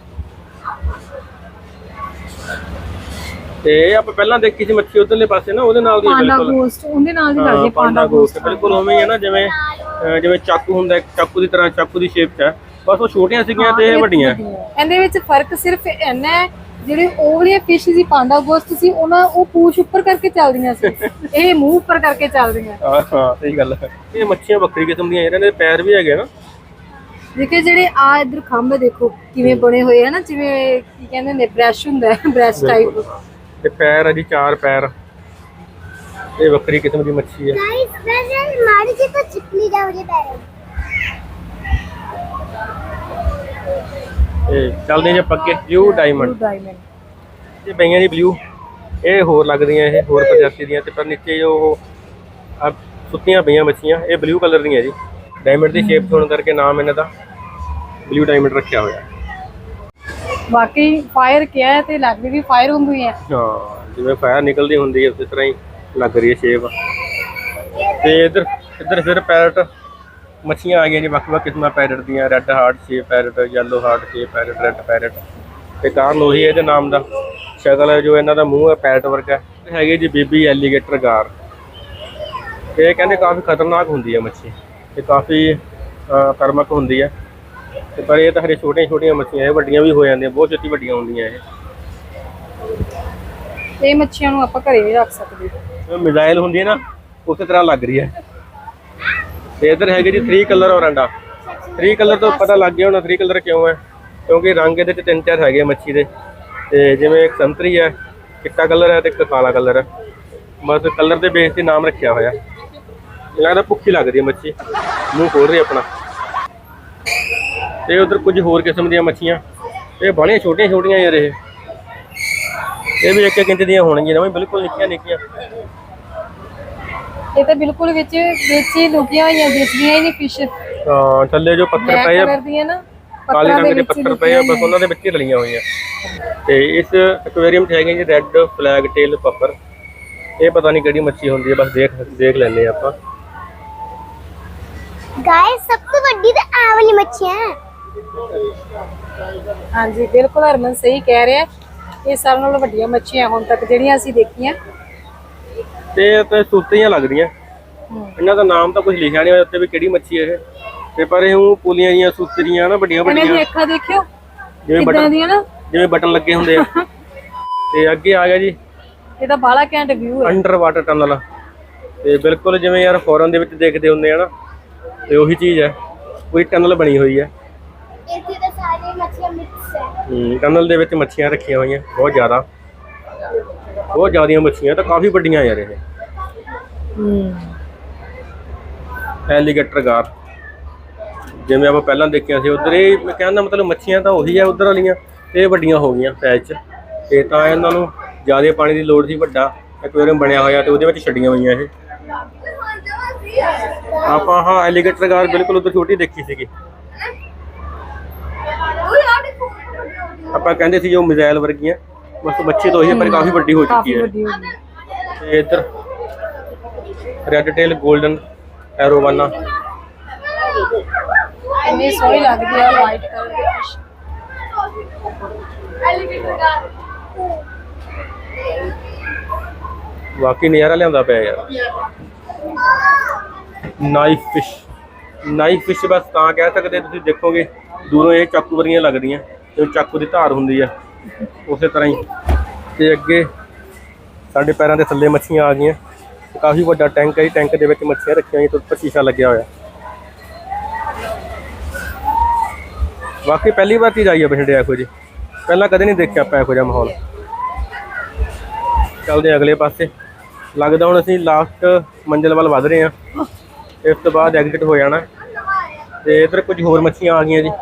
ਤੇ ਇਹ ਆਪਾਂ ਪਹਿਲਾਂ ਦੇਖੀ ਸੀ ਮੱਛੀ ਉਧਰਲੇ ਪਾਸੇ ਨਾ, ਉਹਦੇ ਨਾਲ ਦੀ ਬਿਲਕੁਲ ਉਹਦੇ ਨਾਲ ਦੀ ਲੱਗਦੀ ਪਾਂਡਾ ਗੋਸਟ, ਬਿਲਕੁਲ ਉਵੇਂ ਹੀ ਹੈ ਨਾ, ਜਿਵੇਂ ਚਾਕੂ ਹੁੰਦਾ, ਚਾਕੂ ਦੀ ਤਰ੍ਹਾਂ, ਚਾਕੂ ਦੀ ਸ਼ੇਪ 'ਚ ਹੈ, ਬਸ ਉਹ ਛੋਟੀਆਂ ਸੀਗੀਆਂ ਤੇ ਇਹ ਵੱਡੀਆਂ। ਇਹਦੇ ਵਿੱਚ ਫਰਕ ਸਿਰਫ ਇੰਨਾ ਹੈ, ਜਿਹੜੇ ਉਹ ਵਾਲੀਆਂ ਫਿਸ਼ ਸੀ ਪਾਂਡਾ ਗੋਸਟ ਸੀ, ਉਹ ਪੂਛ ਉੱਪਰ ਕਰਕੇ ਚੱਲਦੀਆਂ ਸੀ, ਇਹ ਮੂੰਹ ਉੱਪਰ ਕਰਕੇ ਚੱਲਦੀਆਂ। ਹਾਂ ਸਹੀ ਗੱਲ ਹੈ। ਇਹ ਮੱਛੀਆਂ ਵੱਖਰੀ ਕਿਸਮ ਦੀਆਂ, ਇਹਨਾਂ ਦੇ ਪੈਰ ਵੀ ਹੈਗੇ ਨਾ। ਦੇਖੇ ਜਿਹੜੇ ਆ ਇੱਧਰ ਖੰਭ ਦੇਖੋ ਕਿਵੇਂ ਬਣੇ ਹੋਏ ਹੈ ਨਾ, ਜਿਵੇਂ ਕੀ ਕਹਿੰਦੇ ਨੇ ਬ੍ਰਸ਼ ਹੁੰਦਾ ਹੈ, ਬ੍ਰਸ਼ ਟਾਈਪ। ਤੇ ਪੈਰ ਹੈ ਜੀ 4 ਪੈਰ, ਇਹ ਵੱਖਰੀ ਕਿਸਮ ਦੀ ਮੱਛੀ ਹੈ। ਮਾਰੀ ਜੀ ਤਾਂ ਚਿਪਲੀ ਜਾ ਉਹਦੇ ਪੈਰ। ਇਹ ਚੱਲਦੇ ਜੇ ਪੱਕੇ ਬਲੂ ਡਾਇਮੰਡ। ਇਹ ਪਈਆਂ ਜੀ ਬਲੂ, ਇਹ ਹੋਰ ਲੱਗਦੀਆਂ, ਇਹ ਹੋਰ ਪ੍ਰਜਾਤੀ ਦੀਆਂ, ਤੇ ਪਰ ਨੀਚੇ ਜੋ ਸੁੱਤੀਆਂ ਪਈਆਂ ਮੱਛੀਆਂ ਇਹ ਬਲੂ ਕਲਰ ਦੀਆਂ ਜੀ। ਡਾਇਮੰਡ ਦੀ ਸ਼ੇਪ ਹੋਣ ਕਰਕੇ ਨਾਮ ਇਹਨਾਂ ਦਾ ਬਲੂ ਡਾਇਮੰਡ ਰੱਖਿਆ ਹੋਇਆ। ਬਾਕੀ ਫਾਇਰ ਕਿਹਾ ਹੈ ਤੇ ਲੱਗਦੀ ਵੀ ਫਾਇਰ ਹੁੰਦੀ ਹੈ। ਹਾਂ ਜਿਵੇਂ ਫਾਇਰ ਨਿਕਲਦੀ ਹੁੰਦੀ ਹੈ ਉਸੇ ਤਰ੍ਹਾਂ ਹੀ ਲੱਗ ਰਹੀ ਹੈ ਸ਼ੇਪ। ਤੇ ਇੱਧਰ ਫਿਰ ਪੈਰਟ ਮੱਛੀਆਂ ਆ ਗਈਆਂ ਜੀ, ਵੱਖ-ਵੱਖ ਕਿਸਮਾਂ ਪੈਰਟ ਦੀਆਂ, red heart shape parrot, yellow heart shape parrot, red parrot. ਤੇ ਕਾਰਨ ਉਹੀ ਹੈ ਇਹਦੇ ਨਾਮ ਦਾ, ਸ਼ਕਲ ਹੈ ਜੋ ਇਹਨਾਂ ਦਾ ਮੂੰਹ ਹੈ ਪੈਰਟ ਵਰਗਾ, ਹੈਗੇ ਜੀ ਬੇਬੀ ਐਲੀਗੇਟਰ ਗਾਰ। ਇਹ ਕਹਿੰਦੇ ਕਾਫੀ ਖਤਰਨਾਕ ਹੁੰਦੀ ਹੈ ਮੱਛੀ, ਤੇ ਕਾਫੀ ਕਰਮਕ ਹੁੰਦੀ ਹੈ, ਤੇ ਪਰ ਇਹ ਤਾਂ ਹਰੇ ਛੋਟੀਆਂ ਛੋਟੀਆਂ ਮੱਛੀਆਂ, ਇਹ ਵੱਡੀਆਂ ਵੀ ਹੋ ਜਾਂਦੀਆਂ, ਬਹੁਤ ਛੇਤੀ ਵੱਡੀਆਂ ਹੁੰਦੀਆਂ ਇਹ ਮੱਛੀਆਂ ਨੂੰ ਆਪਾਂ ਘਰੇ ਵੀ ਰੱਖ ਸਕਦੇ। ਇਹ ਮਿਜ਼ਾਈਲ ਹੁੰਦੀ ਹੈ ਨਾ, ਉਸੇ ਤਰ੍ਹਾਂ ਲੱਗ ਰਹੀ ਹੈ। ਤੇ ਇੱਧਰ ਹੈਗੇ ਜੀ 3 ਕਲਰ ਔਰੰਡਾ। 3 ਕਲਰ ਤੋਂ ਪਤਾ ਲੱਗ ਗਿਆ ਹੋਣਾ 3 ਕਲਰ ਕਿਉਂ ਹੈ, ਕਿਉਂਕਿ ਰੰਗ ਇਹਦੇ 'ਚ 3-4 ਹੈਗੇ ਮੱਛੀ ਦੇ। ਤੇ ਜਿਵੇਂ ਇੱਕ ਸੰਤਰੀ ਹੈ, ਚਿੱਟਾ ਕਲਰ ਹੈ, ਤੇ ਇੱਕ ਕਾਲਾ ਕਲਰ ਹੈ। ਬਸ ਕਲਰ ਦੇ ਬੇਸ ਤੇ ਨਾਮ ਰੱਖਿਆ ਹੋਇਆ। ਲੱਗਦਾ ਭੁੱਖੀ ਲੱਗਦੀ ਹੈ ਮੱਛੀ, ਮੂੰਹ ਖੋਲ ਰਹੀ ਆਪਣਾ। ਤੇ ਉਧਰ ਕੁਝ ਹੋਰ ਕਿਸਮ ਦੀਆਂ ਮੱਛੀਆਂ, ਇਹ ਬੜੀਆਂ ਛੋਟੀਆਂ ਛੋਟੀਆਂ ਯਾਰ, ਇਹ ਵੀ 1-1 ਇੰਚ ਦੀਆਂ ਹੋਣਗੀਆਂ ਨਾ, ਬਿਲਕੁਲ ਨਿੱਕੀਆਂ ਨਿੱਕੀਆਂ। ਇਹ ਤਾਂ ਬਿਲਕੁਲ ਵਿੱਚ ਹੀ ਲੁਕੀਆਂ ਹੋਈਆਂ ਦਿਸਦੀਆਂ ਹੀ ਨਹੀਂ ਫਿਸ਼। ਹਾਂ, ਥੱਲੇ ਜੋ ਪੱਥਰ ਪਏ ਆ, ਕਲਰ ਦੀਆਂ ਨਾ, ਕਾਲੇ ਰੰਗ ਦੇ ਪੱਥਰ ਪਏ ਆ, ਬਸ ਉਹਨਾਂ ਦੇ ਵਿੱਚ ਹੀ ਰਲੀਆਂ ਹੋਈਆਂ। ਤੇ ਇਸ ਐਕੁਆਰੀਅਮ 'ਚ ਹੈਗੇ ਜੀ ਰੈੱਡ ਫਲੈਗ ਟੇਲ ਪੱਪਰ। ਇਹ ਪਤਾ ਨਹੀਂ ਕਿਹੜੀ ਮੱਛੀ ਹੁੰਦੀ ਹੈ, ਬਸ ਦੇਖ ਲੈਂਦੇ ਆ ਆਪਾਂ। गाइस सब तो बड़ी तो आ वाली मच्छी है। ਹਾਂਜੀ ਬਿਲਕੁਲ ਹਰਮਨ ਸਹੀ ਕਹਿ ਰਿਹਾ। ਇਹ ਸਾਰਿਆਂ ਨਾਲੋਂ ਵੱਡੀਆਂ ਮੱਛੀਆਂ ਹੁਣ ਤੱਕ ਜਿਹੜੀਆਂ ਅਸੀਂ ਦੇਖੀਆਂ। ਤੇ ਸੁੱਤੀਆਂ ਲੱਗਦੀਆਂ। ਇਹਨਾਂ ਦਾ ਨਾਮ ਤਾਂ ਕੁਝ ਲਿਖਿਆ ਨਹੀਂ ਹੋਇਆ ਉੱਤੇ ਵੀ ਕਿਹੜੀ ਮੱਛੀ ਹੈ ਇਹ। ਤੇ ਪਰ ਇਹ ਉਹ ਪੁਲੀਆਂ ਜੀਆਂ ਸੁੱਤਰੀਆਂ ਨਾ, ਵੱਡੀਆਂ ਇਹਨਾਂ ਵੱਡੀਆਂ, ਦੀ ਅੱਖਾਂ ਦੇਖਿਓ ਜਿਵੇਂ ਕਿੱਦਾਂ ਦੀਆਂ ਨਾ, ਜਿਵੇਂ ਬਟਨ ਲੱਗੇ ਹੁੰਦੇ ਆ। ਤੇ ਅੱਗੇ ਆ ਗਿਆ ਜੀ ਇਹਦਾ ਬਾਹਲਾ ਘੈਂਟ ਵਿਊ ਹੈ। Under water tunnel. ਤੇ ਬਿਲਕੁਲ ਜਿਵੇਂ ਯਾਰ ਫੋਰਨ ਦੇ ਵਿੱਚ ਦੇਖਦੇ ਹੁੰਦੇ ਆ ਨਾ, ਤੇ ਉਹੀ ਚੀਜ਼ ਹੈ, ਕੋਈ ਟਨਲ ਬਣੀ ਹੋਈ ਹੈ। ਇੱਥੇ ਤਾਂ ਸਾਰੇ ਮੱਛੀਆਂ ਮਿਕਸ ਹੈ। ਟਨਲ ਦੇ ਵਿੱਚ ਮੱਛੀਆਂ ਰੱਖੀਆਂ ਹੋਈਆਂ, ਬਹੁਤ ਜ਼ਿਆਦੀਆਂ ਮੱਛੀਆਂ, ਤਾਂ ਕਾਫੀ ਵੱਡੀਆਂ ਯਾਰ ਇਹ। ਐਲੀਗੇਟਰ ਗਾਰ ਜਿਵੇਂ ਆਪਾਂ ਪਹਿਲਾਂ ਦੇਖਿਆ ਸੀ ਉਧਰ। ਇਹ ਕਹਿਣ ਦਾ ਮਤਲਬ ਮੱਛੀਆਂ ਤਾਂ ਉਹੀ ਆ ਉਧਰ ਵਾਲੀਆਂ, ਤੇ ਵੱਡੀਆਂ ਹੋ ਗਈਆਂ ਸਾਈਜ਼ 'ਚ। ਤੇ ਤਾਂ ਇਹਨਾਂ ਨੂੰ ਜ਼ਿਆਦਾ ਪਾਣੀ ਦੀ ਲੋੜ ਸੀ, ਵੱਡਾ ਐਕੁਆਰੀਅਮ ਬਣਿਆ ਹੋਇਆ ਤੇ ਉਹਦੇ ਵਿੱਚ ਛੱਡੀਆਂ ਹੋਈਆਂ ਇਹ। ਆਪਾਂ ਹਾਂ ਐਲੀਗੇਟਰ ਗਾਰ ਬਿਲਕੁਲ ਉਧਰ ਛੋਟੀ ਦੇਖੀ ਸੀਗੀ। ਆਪਾਂ ਕਹਿੰਦੇ ਸੀ ਜੋ ਮਿਜ਼ਾਈਲ ਵਰਗੀਆਂ, ਬਸ ਮੱਛੀ ਤਾਂ ਉਹੀ ਹੈ ਪਰ ਕਾਫੀ ਵੱਡੀ ਹੋ ਚੁੱਕੀ ਹੈ। ਤੇ ਇੱਧਰ ਰੈੱਡ ਟੇਲ ਗੋਲਡਨ ਐਰੋਵਾਨਾ। ਇੰਨੀ ਸੋਹਣੀ ਲੱਗਦੀ ਆ ਵਾਈਟ ਕਲਰ ਦੀ ਫਿਸ਼। ਵਾਕਈ ਨਜ਼ਾਰਾ ਲਿਆਉਂਦਾ ਪਿਆ ਯਾਰ। ਨਾਈਫ ਫਿਸ਼ ਬਸ ਤਾਂ ਕਹਿ ਸਕਦੇ, ਤੁਸੀਂ ਦੇਖੋਗੇ ਦੂਰੋਂ ਇਹ ਚਾਕੂ ਵਰਗੀਆਂ ਲੱਗਦੀਆਂ, ਤੇ ਚਾਕੂ ਦੀ ਧਾਰ ਹੁੰਦੀ ਆ ਉਸੇ ਤਰ੍ਹਾਂ ਹੀ। ਤੇ ਅੱਗੇ ਸਾਡੇ ਪੈਰਾਂ ਦੇ ਥੱਲੇ ਮੱਛੀਆਂ ਆ ਗਈਆਂ। ਕਾਫੀ ਵੱਡਾ ਟੈਂਕ ਹੈ, ਟੈਂਕ ਦੇ ਵਿੱਚ ਮੱਛੀਆਂ ਰੱਖੀਆਂ ਹੋਈਆਂ ਤੇ ਉੱਪਰ ਸ਼ੀਸ਼ਾ ਲੱਗਿਆ ਹੋਇਆ। ਵਾਕਈ ਪਹਿਲੀ ਵਾਰ ਚੀਜ਼ ਆਈ ਹੈ ਬਠਿੰਡੇ ਇਹੋ ਜਿਹੀ, ਪਹਿਲਾਂ ਕਦੇ ਨਹੀਂ ਦੇਖਿਆ ਆਪਾਂ ਇਹੋ ਜਿਹਾ ਮਾਹੌਲ। ਚੱਲਦੇ ਅਗਲੇ ਪਾਸੇ। ਲੱਗਦਾ ਹੁਣ ਅਸੀਂ ਲਾਸਟ ਮੰਜ਼ਿਲ ਵੱਲ ਵੱਧ ਰਹੇ ਹਾਂ, ਇਸ ਤੋਂ ਬਾਅਦ ਐਗਜ਼ਿਟ ਹੋ ਜਾਣਾ। ਤੇ ਇੱਧਰ ਕੁਝ ਹੋਰ ਮੱਛੀਆਂ ਆ ਗਈਆਂ ਜੀ।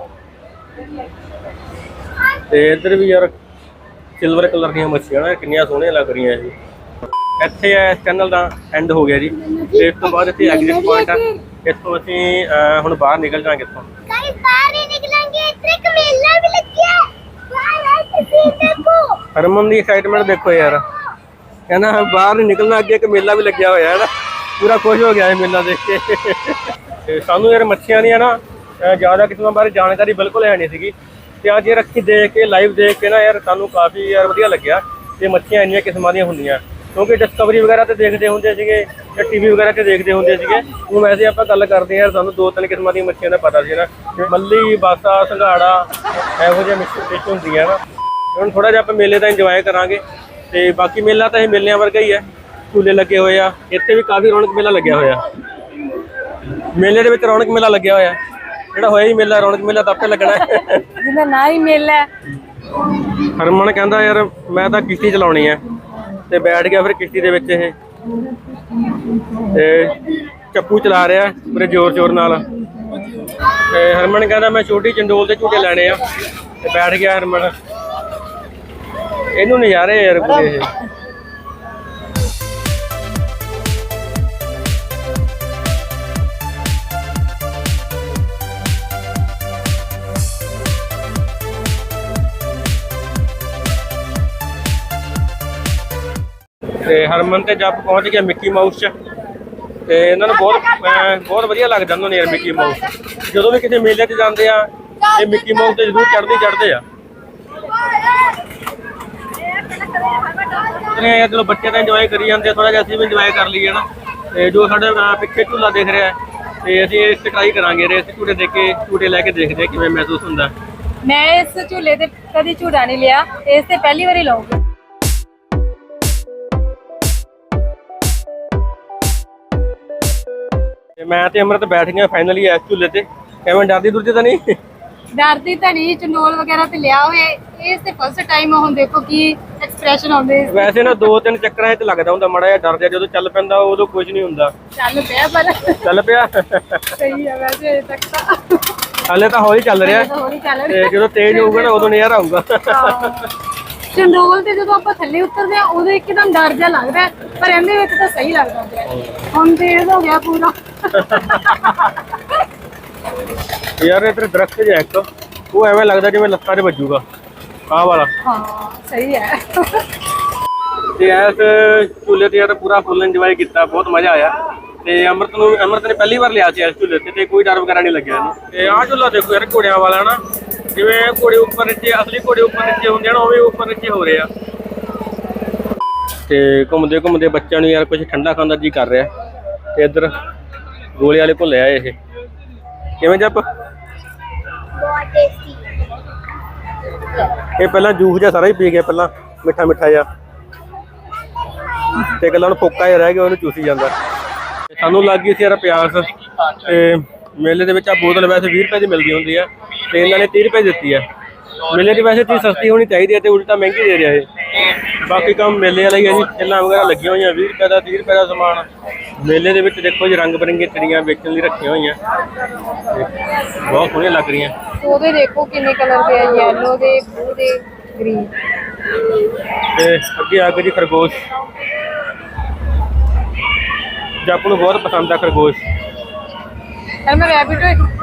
ਤੇ ਇੱਧਰ ਵੀ ਯਾਰ ਸਿਲਵਰ ਕਲਰ ਦੀਆਂ ਮੱਛੀਆਂ ਨਾ, ਕਿੰਨੀਆਂ ਸੋਹਣੀਆਂ ਲੱਗ ਰਹੀਆਂ ਇਹ। ਇੱਥੇ ਇਸ ਚੈਨਲ ਦਾ ਐਂਡ ਹੋ ਗਿਆ ਜੀ, ਤੇ ਇਸ ਤੋਂ ਬਾਅਦ ਇੱਥੇ ਐਗਜ਼ਿਟ ਪੁਆਇੰਟ ਆ। ਇੱਥੋਂ ਅਸੀਂ ਹੁਣ ਬਾਹਰ ਨਿਕਲ ਜਾਵਾਂਗੇ ਇੱਥੋਂ। गाइस बाहर ही निकलेंगे, इतने का मेला भी लग गया है। बाहर तस्वीर देखो। ਹਰਮਨ ਦੀ ਐਕਸਾਈਟਮੈਂਟ ਦੇਖੋ ਯਾਰ, ਕਹਿੰਦਾ ਬਾਹਰ ਨਹੀਂ ਨਿਕਲਣਾ, ਅੱਗੇ ਇੱਕ ਮੇਲਾ ਵੀ ਲੱਗਿਆ ਹੋਇਆ ਹੈ ਨਾ, ਪੂਰਾ ਖੁਸ਼ ਹੋ ਗਿਆ ਇਹ ਮੇਲਾ ਦੇਖ ਕੇ। ਤੇ ਸਾਨੂੰ ਯਾਰ ਮੱਛੀਆਂ ਦੀਆਂ ਨਾ ਜ਼ਿਆਦਾ ਕਿਸਮਾਂ ਬਾਰੇ ਜਾਣਕਾਰੀ ਬਿਲਕੁਲ ਹੈ ਨਹੀਂ ਸੀਗੀ, ਤੇ ਅੱਜ ਇਹ ਰੱਖੀ ਦੇਖ ਕੇ ਲਾਈਵ ਦੇਖ ਕੇ ਨਾ ਯਾਰ ਸਾਨੂੰ ਕਾਫੀ ਯਾਰ ਵਧੀਆ ਲੱਗਿਆ। ਤੇ ਮੱਛੀਆਂ ਇੰਨੀਆਂ ਕਿਸਮਾਂ ਦੀਆਂ ਹੁੰਦੀਆਂ, ਕਿਉਂਕਿ ਡਿਸਕਵਰੀ ਵਗੈਰਾ ਤੇ ਦੇਖਦੇ ਹੁੰਦੇ ਸੀਗੇ ਜਾਂ ਟੀਵੀ ਵਗੈਰਾ ਤੇ ਦੇਖਦੇ ਹੁੰਦੇ ਸੀਗੇ। ਹੁਣ ਵੈਸੇ ਆਪਾਂ ਗੱਲ ਕਰਦੇ ਹਾਂ ਯਾਰ, ਸਾਨੂੰ 2-3 ਕਿਸਮਾਂ ਦੀਆਂ ਮੱਛੀਆਂ ਦਾ ਪਤਾ ਸੀ ਨਾ, ਮੱਲੀ, ਬਾਸਾ, ਸੰਘਾੜਾ, ਇਹੋ ਜਿਹੇ ਫਿਸ਼ ਹੁੰਦੀਆਂ ਨਾ। ਹੁਣ ਥੋੜਾ ਜਿਹਾ ਆਪਾਂ ਮੇਲੇ ਦਾ ਇੰਜੋਏ ਕਰਾਂਗੇ। ਤੇ ਬਾਕੀ ਮੇਲਾ ਤਾਂ ਇਹ ਮੇਲਿਆਂ ਵਰਗਾ ਹੀ ਹੈ, ਝੂਲੇ ਲੱਗੇ ਹੋਏ ਆ। ਇੱਥੇ ਵੀ ਕਾਫੀ ਰੌਣਕ ਮੇਲਾ ਲੱਗਿਆ ਹੋਇਆ, ਮੇਲੇ ਦੇ ਵਿੱਚ ਰੌਣਕ ਮੇਲਾ ਲੱਗਿਆ ਹੋਇਆ। ਜਿਹੜਾ ਹੋਇਆ ਹੀ ਮੇਲਾ, ਰੌਣਕ ਮੇਲਾ ਤਾਂ ਆਪੇ ਲੱਗਣਾ ਜਿਹਦਾ ਨਾ ਹੀ ਮੇਲਾ। ਹਰਮਨ ਕਹਿੰਦਾ ਯਾਰ ਮੈਂ ਤਾਂ ਕਿਸ਼ਤੀ ਚਲਾਉਣੀ ਹੈ, ਤੇ ਬੈਠ ਗਿਆ ਫਿਰ ਕਿਸ਼ਤੀ ਦੇ ਵਿੱਚ ਇਹ, ਤੇ ਚੱਪੂ ਚਲਾ ਰਿਹਾ ਪੂਰੇ ਜ਼ੋਰ ਨਾਲ। ਤੇ ਹਰਮਨ ਕਹਿੰਦਾ ਮੈਂ ਛੋਟੀ ਚੰਡੋਲ ਦੇ ਝੂਟੇ ਲੈਣੇ ਆ, ਤੇ ਬੈਠ ਗਿਆ ਹਰਮਨ। ਇਹਨੂੰ ਨਜ਼ਾਰੇ ਯਾਰ ਪੂਰੇ ਇਹ। ਤੇ ਹਰਮਨ ਤੇ ਜੱਬ ਪਹੁੰਚ ਗਿਆ ਮਿੱਕੀ ਮਾਊਸ 'ਚ, ਤੇ ਇਹਨਾਂ ਨੂੰ ਬਹੁਤ ਵਧੀਆ ਲੱਗਦਾ ਉਹਨਾਂ ਨੂੰ ਯਾਰ ਮਿੱਕੀ ਮਾਊਸ। ਜਦੋਂ ਵੀ ਕਿਸੇ ਮੇਲੇ 'ਚ ਜਾਂਦੇ ਆ ਇਹ ਮਿੱਕੀ ਮਾਊਸ ਤੇ ਜ਼ਰੂਰ ਚੜ੍ਹਦੇ ਆ। ਨੇ ਚਲੋ ਬੱਚੇ ਤਾਂ ਇੰਜੋਏ ਕਰੀ ਜਾਂਦੇ, ਥੋੜਾ ਜਿਹਾ ਅਸੀਂ ਵੀ ਇੰਜੋਏ ਕਰ ਲਈਏ ਨਾ। ਤੇ ਜੋ ਸਾਡੇ ਪਿੱਛੇ ਝੂਲਾ ਦਿਖ ਰਿਹਾ ਤੇ ਅਸੀਂ ਇਸ ਤੇ ਟਰਾਈ ਕਰਾਂਗੇ, ਰੇਸ ਝੂਟੇ ਦੇ ਕੇ ਝੂਟੇ ਲੈ ਕੇ ਦੇਖਦੇ ਕਿਵੇਂ ਮਹਿਸੂਸ ਹੁੰਦਾ। ਮੈਂ ਇਸ ਝੂਲੇ ਤੇ ਕਦੀ ਝੂਟਾ ਨਹੀਂ ਲਿਆ, ਇਸ ਤੇ ਪਹਿਲੀ ਵਾਰੀ ਲਾਉਂਗੀ। ਤੇ ਮੈਂ ਤੇ ਅਮਰਤ ਬੈਠ ਗਏ ਫਾਈਨਲੀ ਇਸ ਝੂਲੇ ਤੇ। ਕਿਵੇਂ ਡਰਦੀ ਦੁਰਦੀ ਤਾਂ ਨਹੀਂ? ਡਰਦੀ ਤਾਂ ਨਹੀਂ, ਚੰਡੋਲ ਵਗੈਰਾ ਤੇ ਲਿਆ ਹੋਏ, ਇਸ ਤੇ ਫਸਟ ਟਾਈਮ। ਹੁਣ ਦੇਖੋ ਕੀ ਐਕਸਪ੍ਰੈਸ਼ਨ ਆਉਂਦੇ। ਵੈਸੇ ਨਾ 2-3 ਚੱਕਰਾਂ 'ਚ ਲੱਗਦਾ ਹੁੰਦਾ ਮਾੜਾ ਜਿਹਾ ਡਰ ਜਿਹਾ, ਜਦੋਂ ਚੱਲ ਪੈਂਦਾ ਉਦੋਂ ਕੁਝ ਨਹੀਂ ਹੁੰਦਾ। ਚੱਲ ਪਿਆ ਪਰ ਚੱਲ ਪਿਆ ਸਹੀ ਹੈ ਵੈਸੇ ਅਜੇ ਤੱਕ ਤਾਂ। ਹਾਲੇ ਤਾਂ ਹੌਲੀ ਚੱਲ ਰਿਹਾ, ਹੌਲੀ ਚੱਲ ਤੇ ਜਦੋਂ ਤੇਜ਼ ਹੋਊਗਾ ਨਾ ਉਦੋਂ ਨਜ਼ਾਰਾ ਆਊਗਾ। ਚੰਡੋਲ ਤੇ ਜਦੋਂ ਆਪਾਂ ਥੱਲੇ ਉਤਰਦੇ ਆ ਉਦੋਂ ਇੱਕਦਮ ਡਰ ਜਿਹਾ ਲੱਗਦਾ ਹੈ, ਪਰ ਇਹਦੇ ਵਿੱਚ ਤਾਂ ਸਹੀ ਲੱਗਦਾ ਪਿਆ। ਹੁਣ ਤੇਜ਼ ਹੋ ਗਿਆ ਪੂਰਾ। ਯਾਰ ਇੱਧਰ ਦਰਖਤ ਜਿਹਾ ਇੱਕ, ਉਹ ਐਵੇਂ ਲੱਗਦਾ ਜਿਵੇਂ ਲੱਤਾਂ 'ਚ ਵੱਜੂਗਾ, ਆਹ ਵਾਲਾ। ਹਾਂ ਸਹੀ ਹੈ। ਤੇ ਇਸ ਝੂਲੇ ਤੇ ਯਾਰ ਪੂਰਾ ਫੁੱਲ ਇੰਜੋਏ ਕੀਤਾ, ਬਹੁਤ ਮਜ਼ਾ ਆਇਆ। ਤੇ ਅਮਰਤ ਨੇ ਪਹਿਲੀ ਵਾਰ ਲਿਆ ਸੀ ਇਸ ਝੂਲੇ ਤੇ ਕੋਈ ਡਰ ਵਗੈਰਾ ਨਹੀਂ ਲੱਗਿਆ ਇਹਨੂੰ। ਤੇ ਆਹ ਝੂਲਾ ਦੇਖੋ ਯਾਰ ਘੋੜਿਆਂ ਵਾਲਾ ਨਾ, ਜਿਵੇਂ ਘੋੜੇ ਉੱਪਰ ਨੀਚੇ, ਅਸਲੀ ਘੋੜੇ ਉੱਪਰ ਨੀਚੇ ਹੁੰਦੇ ਆ ਨਾ, ਉਵੇਂ ਉੱਪਰ ਨੀਚੇ ਹੋ ਰਹੇ ਆ। ਤੇ ਘੁੰਮਦੇ ਘੁੰਮਦੇ ਬੱਚਿਆਂ ਨੂੰ ਯਾਰ ਕੁਝ ਠੰਡਾ ਖਾਣ ਦਾ ਜੀ ਕਰ ਰਿਹਾ। ਤੇ ਇੱਧਰ ਗੋਲੇ ਵਾਲੇ ਭੁੱਲੇ ਆ ਇਹ, ਕਿਵੇਂ ਜੱਪ? ਬਹੁਤ ਟੇਸਟੀ। ਇਹ ਪਹਿਲਾਂ ਜੂਸ ਜਿਹਾ ਸਾਰਾ ਹੀ ਪੀ ਗਿਆ, ਪਹਿਲਾਂ ਮਿੱਠਾ ਮਿੱਠਾ ਜਿਹਾ, ਤੇ ਗੱਲਾਂ ਨੂੰ ਫੋਕਾ ਜਿਹਾ ਰਹਿ ਗਿਆ, ਉਹਨੂੰ ਚੂਸੀ ਜਾਂਦਾ। ਸਾਨੂੰ ਲੱਗ ਗਈ ਸੀ ਯਾਰ ਪਿਆਸ। ਤੇ ਮੇਲੇ ਦੇ ਵਿੱਚ ਆ ਬੋਤਲ ਵੈਸੇ 20 ਰੁਪਏ ਦੀ ਮਿਲਦੀ ਹੁੰਦੀ ਹੈ, ਤੇ ਇਹਨਾਂ ਨੇ 30 ਰੁਪਏ ਦਿੱਤੀ ਹੈ। ਮੇਲੇ ਦੀ ਵੈਸੇ ਚੀਜ਼ ਸਸਤੀ ਹੋਣੀ ਚਾਹੀਦੀ ਹੈ, ਤੇ ਉਲਟਾ ਮਹਿੰਗੀ ਦੇ ਰਿਹਾ ਇਹ। ਬਾਕੀ ਕੰਮ ਮੇਲੇ ਵਾਲਾ ਹੀ ਹੈ ਜੀ, ਛਿੱਲਾਂ ਵਗੈਰਾ ਲੱਗੀਆਂ ਹੋਈਆਂ 20 ਰੁਪਏ ਦਾ, 30 ਰੁਪਏ ਦਾ ਸਮਾਨ। ਮੇਲੇ ਦੇ ਵਿੱਚ ਦੇਖੋ ਜੀ ਰੰਗ ਬਰੰਗੀਆਂ ਚਿੜੀਆਂ ਵੇਚਣ ਲਈ ਰੱਖੀਆਂ ਹੋਈਆਂ, ਬਹੁਤ ਸੋਹਣੀਆਂ ਲੱਗ ਰਹੀਆਂ। ਉਹਦੇ ਦੇਖੋ ਕਿੰਨੇ ਕਲਰ ਦੇ ਆ, ਯੈਲੋ ਦੇ, ਬਲੂ ਦੇ, ਗ੍ਰੀਨ। ਤੇ ਅੱਗੇ ਆ ਗਏ ਜੀ ਖਰਗੋਸ਼। ਜੱਪ ਨੂੰ ਬਹੁਤ ਪਸੰਦ ਆ ਖਰਗੋਸ਼। ਮੈਂ ਰੈਬਿਟ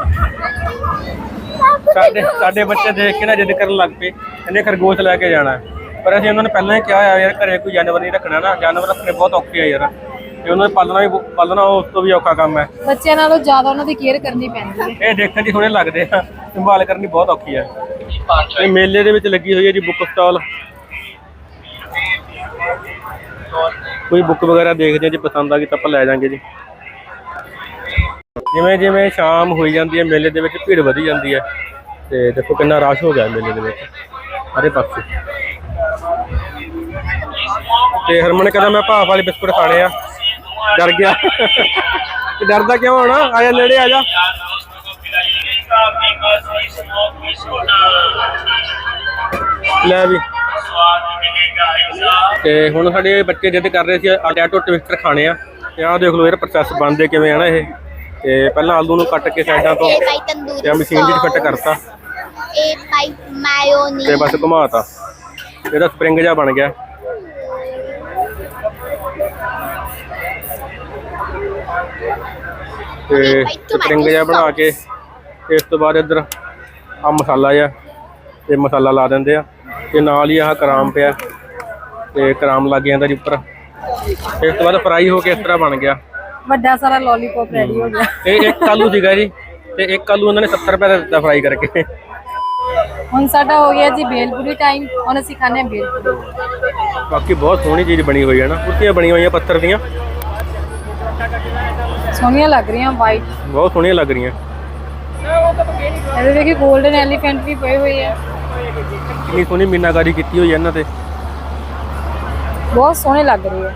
ਸਾਡੇ ਬੱਚੇ ਦੇਖ ਕੇ ਨਾ ਜਿੱਦ ਕਰਨ ਲੱਗ ਪਏ, ਇਹਨੇ ਖਰਗੋਸ਼ ਲੈ ਕੇ ਜਾਣਾ। ਪਰ ਅਸੀਂ ਉਹਨਾਂ ਨੇ ਪਹਿਲਾਂ ਹੀ ਕਿਹਾ ਹੋਇਆ ਯਾਰ ਘਰੇ ਕੋਈ ਜਾਨਵਰ ਨਹੀਂ ਰੱਖਣਾ ਨਾ, ਜਾਨਵਰ ਰੱਖਣੇ ਬਹੁਤ ਔਖੇ ਆ ਯਾਰ, ਤੇ ਉਹਨਾਂ ਨੂੰ ਪਾਲਣਾ ਉਸ ਤੋਂ ਵੀ ਔਖਾ ਕੰਮ ਹੈ। ਬੱਚਿਆਂ ਨਾਲੋਂ ਜ਼ਿਆਦਾ ਉਹਨਾਂ ਦੀ ਕੇਅਰ ਕਰਨੀ ਪੈਂਦੀ ਹੈ। ਇਹ ਦੇਖਣ 'ਚ ਸੋਹਣੇ ਲੱਗਦੇ ਆ, ਸੰਭਾਲ ਕਰਨੀ ਬਹੁਤ ਔਖੀ ਹੈ। ਇਹ ਮੇਲੇ ਦੇ ਵਿੱਚ ਲੱਗੀ ਹੋਈ ਹੈ ਜੀ ਬੁੱਕ ਸਟਾਲ। ਕੋਈ ਬੁੱਕ ਵਗੈਰਾ ਦੇਖਦੇ ਆ ਜੀ, ਪਸੰਦ ਆ ਗਈ ਤਾਂ ਆਪਾਂ ਲੈ ਜਾਾਂਗੇ ਜੀ। ਜਿਵੇਂ ਜਿਵੇਂ ਸ਼ਾਮ ਹੋਈ ਜਾਂਦੀ ਹੈ ਮੇਲੇ ਦੇ ਵਿੱਚ ਭੀੜ ਵਧੀ ਜਾਂਦੀ ਹੈ। ਤੇ ਦੇਖੋ ਕਿੰਨਾ ਰਸ਼ ਹੋ ਗਿਆ ਮੇਲੇ ਦੇ ਵਿੱਚ ਸਾਰੇ ਪਾਸੇ। ਤੇ ਹਰਮਨ ਕਹਿੰਦਾ ਮੈਂ ਭਾਫ ਵਾਲੇ ਬਿਸਕੁਟ ਖਾਣੇ ਆ, ਡਰ ਗਿਆ। ਤੇ ਡਰਦਾ ਕਿਉਂ ਹੋਣਾ, ਆ ਜਾ ਨੇੜੇ ਆ ਜਾ। ਲੈ ਵੀ। ਤੇ ਹੁਣ ਸਾਡੇ ਬੱਚੇ ਜਿੱਦ ਕਰ ਰਹੇ ਸੀ ਆਟੋ ਟਵਿਸਟਰ ਖਾਣੇ ਆ, ਤੇ ਆਹ ਦੇਖ ਲਓ ਯਾਰ ਪ੍ਰੋਸੈਸ ਬਣਦੇ ਕਿਵੇਂ ਆ ਨਾ ਇਹ। ਤੇ ਪਹਿਲਾਂ ਆਲੂ ਨੂੰ ਕੱਟ ਕੇ ਸਾਈਡਾਂ ਤੋਂ ਤੇ ਮਸ਼ੀਨ 'ਚ ਫਿੱਟ ਕਰਤਾ, ਤੇ ਬਸ ਘੁਮਾਤਾ, ਇਹਦਾ ਸਪਰਿੰਗ ਜਿਹਾ ਬਣ ਗਿਆ। ਤੇ ਸਪਰਿੰਗ ਜਿਹਾ ਬਣਾ ਕੇ ਇਸ ਤੋਂ ਬਾਅਦ ਇੱਧਰ ਆ ਮਸਾਲਾ ਜਿਹਾ, ਤੇ ਮਸਾਲਾ ਲਾ ਦਿੰਦੇ ਆ, ਤੇ ਨਾਲ ਹੀ ਆਹ ਕਰਾਮ ਪਿਆ, ਤੇ ਕਰਾਮ ਲੱਗ ਜਾਂਦਾ ਜੀ ਉੱਪਰ। ਇਸ ਤੋਂ ਬਾਅਦ ਫਰਾਈ ਹੋ ਕੇ ਇਸ ਤਰ੍ਹਾਂ ਬਣ ਗਿਆ ਵੱਡਾ ਸਾਰਾ ਲੋਲੀਪੌਪ ਰੈਡੀ ਹੋ ਗਿਆ। ਇਹ ਇੱਕ ਆਲੂ ਸੀਗਾ ਜੀ, ਤੇ ਇੱਕ ਆਲੂ ਉਹਨਾਂ ਨੇ 70 ਰੁਪਏ ਦਾ ਦਿੱਤਾ ਫਰਾਈ ਕਰਕੇ। ਹੁਣ ਸਾਡਾ ਹੋ ਗਿਆ ਜੀ ਬੇਲਪੂਰੀ ਟਾਈਮ, ਹੁਣ ਅਸੀਂ ਖਾਣੇ ਬੇਲਪੂਰੀ। ਬਾਕੀ ਬਹੁਤ ਸੋਹਣੀ ਚੀਜ਼ ਬਣੀ ਹੋਈ ਹੈ ਨਾ, ਕੁਰਸੀਆਂ ਬਣੀਆਂ ਹੋਈਆਂ ਪੱਥਰ ਦੀਆਂ, ਸੋਹਣੀਆਂ ਲੱਗ ਰਹੀਆਂ, ਵਾਈਟ ਬਹੁਤ ਸੋਹਣੀਆਂ ਲੱਗ ਰਹੀਆਂ। ਇਹਦੇ ਦੇਖੀ 골ਡਨ ਐਲੀਫੈਂਟ ਵੀ ਪਏ ਹੋਏ ਆ, ਕਿੰਨੀ ਸੋਹਣੀ ਮੀਨਾਕਾਰੀ ਕੀਤੀ ਹੋਈ ਹੈ ਇਹਨਾਂ ਤੇ, ਬਹੁਤ ਸੋਹਣੇ ਲੱਗ ਰਹੇ ਆ।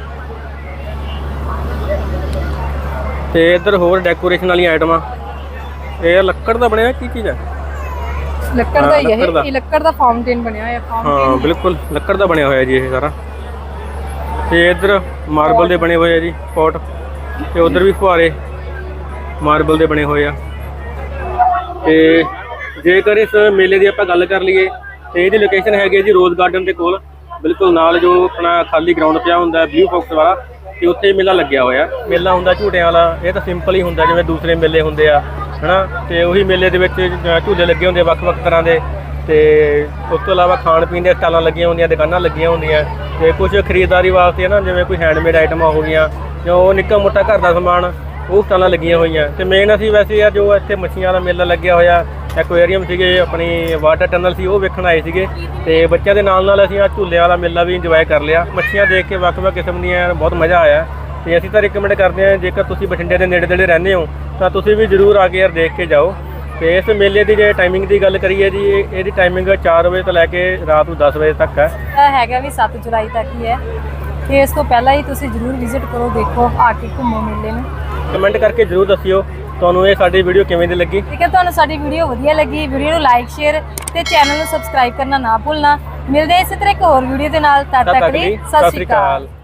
ਤੇ ਇੱਧਰ ਹੋਰ ਡੈਕੋਰੇਸ਼ਨ ਵਾਲੀਆਂ ਆਈਟਮਾਂ। ਇਹ ਲੱਕੜ ਦਾ ਬਣਿਆ ਕੀ ਚੀਜ਼ ਹੈ? ਲੱਕੜ ਦਾ ਹੀ ਹੈ ਇਹ ਲੱਕੜ ਦਾ ਫਾਊਂਟੇਨ ਬਣਿਆ ਹੋਇਆ। ਹਾਂ ਬਿਲਕੁਲ ਲੱਕੜ ਦਾ ਬਣਿਆ ਹੋਇਆ ਜੀ ਇਹ ਸਾਰਾ। ਤੇ ਇੱਧਰ ਮਾਰਬਲ ਦੇ ਬਣੇ ਹੋਏ ਆ ਜੀ ਪੋਟ, ਤੇ ਉਧਰ ਵੀ ਫੁਹਾਰੇ ਮਾਰਬਲ ਦੇ ਬਣੇ ਹੋਏ ਆ। ਤੇ ਜੇਕਰ ਇਸ ਮੇਲੇ ਦੀ ਆਪਾਂ ਗੱਲ ਕਰ ਲਈਏ ਤੇ ਇਹਦੀ ਲੋਕੇਸ਼ਨ ਹੈਗੀ ਜੀ ਰੋਜ਼ ਗਾਰਡਨ ਦੇ ਕੋਲ, ਬਿਲਕੁਲ ਨਾਲ ਜੋ ਆਪਣਾ ਖਾਲੀ ਗਰਾਊਂਡ ਪਿਆ ਹੁੰਦਾ ਬਲੂ ਬਾਕਸ ਵਾਲਾ, ਤੇ ਉੱਥੇ ਮੇਲਾ ਲੱਗਿਆ ਹੋਇਆ। ਮੇਲਾ ਹੁੰਦਾ ਝੂਟਿਆਂ ਵਾਲਾ, ਇਹ ਤਾਂ ਸਿੰਪਲ ਹੀ ਹੁੰਦਾ ਜਿਵੇਂ ਦੂਸਰੇ ਮੇਲੇ ਹੁੰਦੇ ਆ ਹਨਾ। ਤੇ ਉਹੀ ਮੇਲੇ ਦੇ ਵਿੱਚ ਝੂਲੇ ਲੱਗੇ ਹੁੰਦੇ ਵੱਖ-ਵੱਖ ਤਰ੍ਹਾਂ ਦੇ, ਤੇ ਉਸ ਤੋਂ ਇਲਾਵਾ ਖਾਣ ਪੀਣ ਦੀਆਂ ਸਟਾਲਾਂ ਲੱਗੀਆਂ ਹੁੰਦੀਆਂ, ਦੁਕਾਨਾਂ ਲੱਗੀਆਂ ਹੁੰਦੀਆਂ, ਤੇ ਕੁਝ ਖਰੀਦਦਾਰੀ ਵਾਸਤੇ ਨਾ ਜਿਵੇਂ ਕੋਈ ਹੈਂਡਮੇਡ ਆਈਟਮਾਂ ਹੋ ਗਈਆਂ ਜਾਂ ਉਹ ਨਿੱਕਾ ਮੋਟਾ ਘਰ ਦਾ ਸਮਾਨ, ਉਹ ਸਟਾਲਾਂ ਲੱਗੀਆਂ ਹੋਈਆਂ। ਤੇ ਮੇਨ ਅਸੀਂ ਵੈਸੇ ਆ ਜੋ ਇੱਥੇ ਮੱਛੀਆਂ ਵਾਲਾ ਮੇਲਾ ਲੱਗਿਆ ਹੋਇਆ ਐਕੁਆਰੀਅਮ ਸੀਗੇ, ਆਪਣੀ ਵਾਟਰ ਟਨਲ ਸੀ, ਉਹ ਵੇਖਣ ਆਏ ਸੀਗੇ। ਤੇ ਬੱਚਿਆਂ ਦੇ ਨਾਲ ਨਾਲ ਅਸੀਂ ਆ ਝੂਲਿਆਂ ਵਾਲਾ ਮੇਲਾ ਵੀ ਇੰਜੋਏ ਕਰ ਲਿਆ। ਮੱਛੀਆਂ ਦੇਖ ਕੇ ਵੱਖ-ਵੱਖ ਕਿਸਮ ਦੀਆਂ ਬਹੁਤ ਮਜ਼ਾ ਆਇਆ। ਤੇ ਅਸੀਂ ਤਾਂ ਰਿਕਮੈਂਡ ਕਰਦੇ ਹਾਂ, ਜੇਕਰ ਤੁਸੀਂ ਬਠਿੰਡੇ ਦੇ ਨੇੜੇ-ਤੇੜੇ ਰਹਿੰਦੇ ਹੋ ਤਾਂ ਤੁਸੀਂ ਵੀ ਜ਼ਰੂਰ ਆ ਕੇ ਯਾਰ ਦੇਖ ਕੇ ਜਾਓ। ਤੇ ਇਸ ਮੇਲੇ ਦੀ ਜੇ ਟਾਈਮਿੰਗ ਦੀ ਗੱਲ ਕਰੀਏ ਜੀ, ਇਹਦੀ ਟਾਈਮਿੰਗ 4 ਵਜੇ ਤੋਂ ਲੈ ਕੇ ਰਾਤ ਨੂੰ 10 ਵਜੇ ਤੱਕ ਹੈ। ਇਹ ਹੈਗਾ ਵੀ 7 ਜੁਲਾਈ ਤੱਕ ਹੀ ਹੈ, ਤੇ ਇਸ ਤੋਂ ਪਹਿਲਾਂ ਹੀ ਤੁਸੀਂ ਜ਼ਰੂਰ ਵਿਜ਼ਿਟ ਕਰੋ, ਦੇਖੋ, ਆ ਕੇ ਘੁੰਮੋ ਮੇਲੇ ਨੂੰ। ਕਮੈਂਟ ਕਰਕੇ ਜ਼ਰੂਰ ਦੱਸਿਓ ਤੁਹਾਨੂੰ ਇਹ ਸਾਡੀ ਵੀਡੀਓ ਕਿਵੇਂ ਦੀ ਲੱਗੀ। ਠੀਕ ਹੈ, ਤੁਹਾਨੂੰ ਸਾਡੀ ਵੀਡੀਓ ਵਧੀਆ ਲੱਗੀ, ਵੀਡੀਓ ਨੂੰ ਲਾਈਕ, ਸ਼ੇਅਰ ਤੇ ਚੈਨਲ ਨੂੰ ਸਬਸਕ੍ਰਾਈਬ ਕਰਨਾ ਨਾ ਭੁੱਲਣਾ। ਮਿਲਦੇ ਹਾਂ ਇਸੇ ਤਰ੍ਹਾਂ ਇੱਕ ਹੋਰ ਵੀਡੀਓ ਦੇ ਨਾਲ, ਤਦ ਤੱਕ ਲਈ ਸਤਿ ਸ਼੍ਰੀ ਅਕਾਲ।